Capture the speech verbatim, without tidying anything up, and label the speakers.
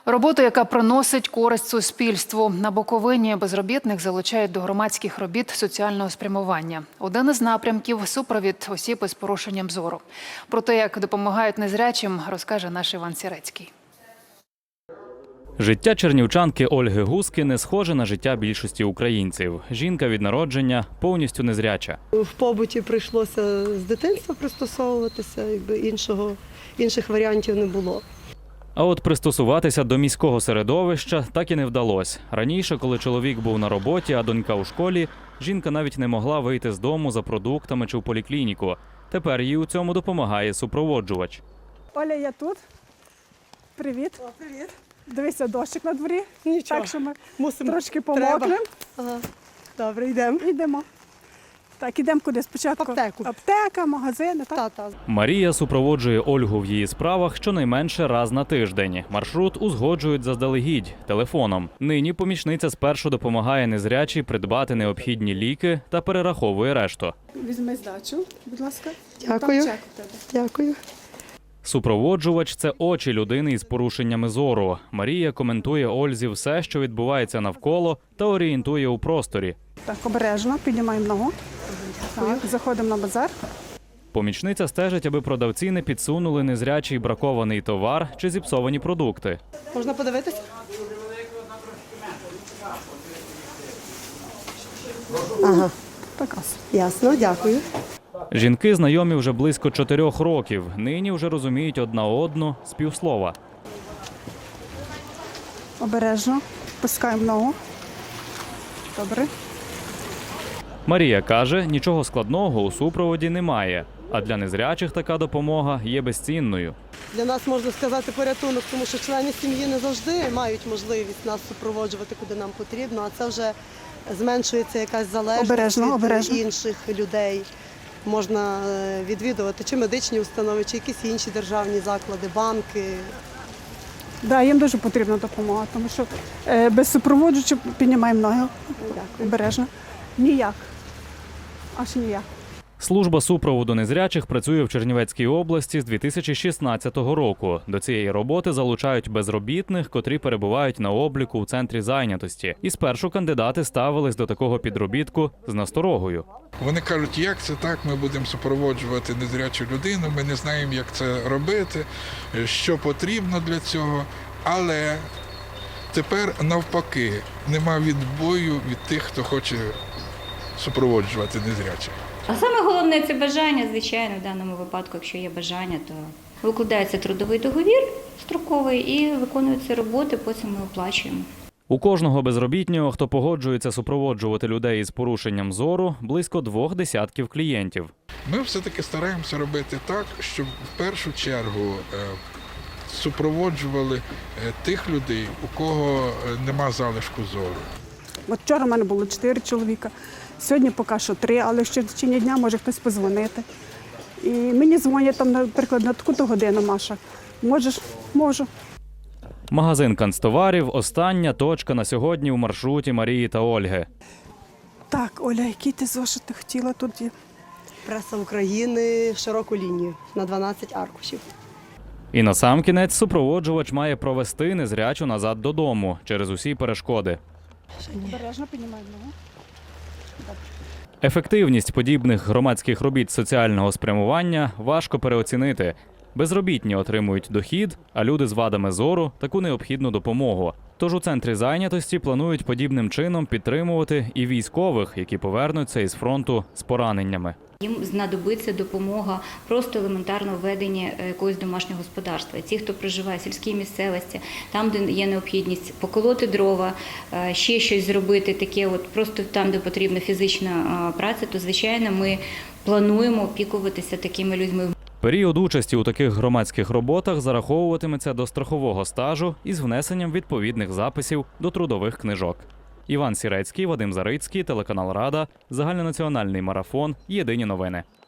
Speaker 1: Роботу, яка приносить користь суспільству. На Буковині безробітних залучають до громадських робіт соціального спрямування. Один із напрямків – супровід осіб із порушенням зору. Про те, як допомагають незрячим, розкаже наш Іван Сірецький.
Speaker 2: Життя чернівчанки Ольги Гуски не схоже на життя більшості українців. Жінка від народження повністю незряча.
Speaker 3: В побуті прийшлося з дитинства пристосовуватися, якби іншого, інших варіантів не було.
Speaker 2: А от пристосуватися до міського середовища так і не вдалося. Раніше, коли чоловік був на роботі, а донька у школі, жінка навіть не могла вийти з дому за продуктами чи в поліклініку. Тепер їй у цьому допомагає супроводжувач.
Speaker 4: Оля, я тут. Привіт.
Speaker 3: О, привіт.
Speaker 4: Дивися, дощик на дворі.
Speaker 3: Нічого.
Speaker 4: Так що ми
Speaker 3: Мусимо.
Speaker 4: трошки помокнемо.
Speaker 3: Ага. Добре, йдемо.
Speaker 4: Йдемо. Так, ідемо куди? Спочатку
Speaker 3: В аптеку.
Speaker 4: аптека, магазини. Так?
Speaker 3: Та-та.
Speaker 2: Марія супроводжує Ольгу в її справах щонайменше раз на тиждень. Маршрут узгоджують заздалегідь, телефоном. Нині помічниця спершу допомагає незрячій придбати необхідні ліки та перераховує решту.
Speaker 4: Візьми здачу, будь ласка.
Speaker 3: Дякую.
Speaker 4: Там чек у тебе.
Speaker 3: Дякую.
Speaker 2: Супроводжувач – це очі людини із порушеннями зору. Марія коментує Ользі все, що відбувається навколо, та орієнтує у просторі.
Speaker 4: Так, обережно, піднімаємо ногу. Так, заходимо на базар.
Speaker 2: Помічниця стежить, аби продавці не підсунули незрячий бракований товар чи зіпсовані продукти.
Speaker 3: Можна подивитися? Ага,
Speaker 4: Так, ось.
Speaker 3: ясно, дякую.
Speaker 2: Жінки знайомі вже близько чотирьох років. Нині вже розуміють одна одну з півслова.
Speaker 4: Обережно, пускаємо ногу. Добре.
Speaker 2: Марія каже, нічого складного у супроводі немає. А для незрячих така допомога є безцінною.
Speaker 3: Для нас, можна сказати, порятунок, тому що члени сім'ї не завжди мають можливість нас супроводжувати, куди нам потрібно, а це вже зменшується якась залежність
Speaker 4: Обережно,
Speaker 3: від
Speaker 4: обережно.
Speaker 3: інших людей. Можна е, відвідувати чи медичні установи, чи якісь інші державні заклади, банки.
Speaker 4: Да, їм дуже потрібна допомога, тому що е, без супроводжувача піднімаємо ноги.
Speaker 3: Дякую.
Speaker 4: Обережно. Ніяк. Аж ніяк.
Speaker 2: Служба супроводу незрячих працює в Чернівецькій області з дві тисячі шістнадцятого року. До цієї роботи залучають безробітних, котрі перебувають на обліку у центрі зайнятості. І спершу кандидати ставились до такого підробітку з насторогою.
Speaker 5: Вони кажуть, як це так, ми будемо супроводжувати незрячу людину, ми не знаємо, як це робити, що потрібно для цього. Але тепер навпаки, нема відбою від тих, хто хоче супроводжувати незрячих.
Speaker 6: А саме головне – це бажання, звичайно, в даному випадку, якщо є бажання, то викладається трудовий договір строковий і виконуються роботи, потім ми оплачуємо.
Speaker 2: У кожного безробітнього, хто погоджується супроводжувати людей із порушенням зору, близько двох десятків клієнтів.
Speaker 5: Ми все-таки стараємося робити так, щоб в першу чергу е, супроводжували е, тих людей, у кого е, нема залишку зору.
Speaker 4: От вчора в мене було чотири чоловіка, сьогодні поки що три, але ще в течение дня може хтось подзвонити. І мені дзвонять там, наприклад, на таку-то годину, Маша. Можеш? Можу.
Speaker 2: Магазин канцтоварів – остання точка на сьогодні у маршруті Марії та Ольги.
Speaker 4: Так, Оля, який ти зошит ти хотіла тут є?
Speaker 3: Преса України в широку лінію на дванадцять аркушів.
Speaker 2: І насамкінець супроводжувач має провести незрячу назад додому через усі перешкоди.
Speaker 4: Обережно піднімаємо ногу.
Speaker 2: Ефективність подібних громадських робіт соціального спрямування важко переоцінити. Безробітні отримують дохід, а люди з вадами зору – таку необхідну допомогу. Тож у центрі зайнятості планують подібним чином підтримувати і військових, які повернуться із фронту з пораненнями.
Speaker 6: Їм знадобиться допомога просто елементарного ведення якогось домашнього господарства. І ті, хто проживає в сільській місцевості, там, де є необхідність поколоти дрова, ще щось зробити, таке от просто там, де потрібна фізична праця, то, звичайно, ми плануємо опікуватися такими людьми.
Speaker 2: Період участі у таких громадських роботах зараховуватиметься до страхового стажу із внесенням відповідних записів до трудових книжок. Іван Сірецький, Вадим Зарицький, телеканал Рада, загальнонаціональний марафон, єдині новини.